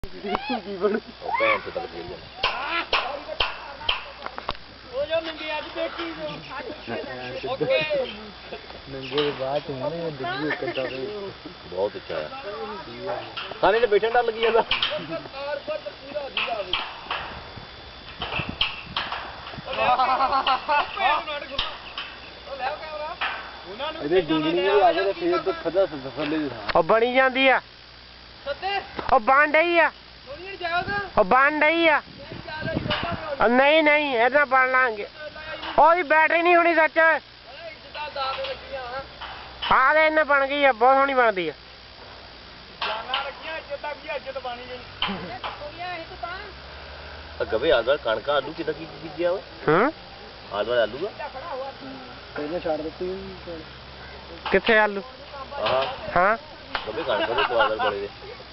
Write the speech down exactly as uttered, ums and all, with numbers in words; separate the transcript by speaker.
Speaker 1: भैन से तक खेल बहुत अच्छा है खाने से बैठने डर लगी जाता
Speaker 2: बनी जाती है बन रही है बन रही है नहीं नहीं इतना बन लांगे और बैटरी नहीं होनी सच हाँ तो इन्हें बन गई है बहुत सोहनी बनती है
Speaker 1: गवे आदवाल कणक आलू कि बीजे आदवाल आलू
Speaker 2: किथे आलू
Speaker 1: हाँ
Speaker 2: हाँ
Speaker 1: गवे कणक बड़े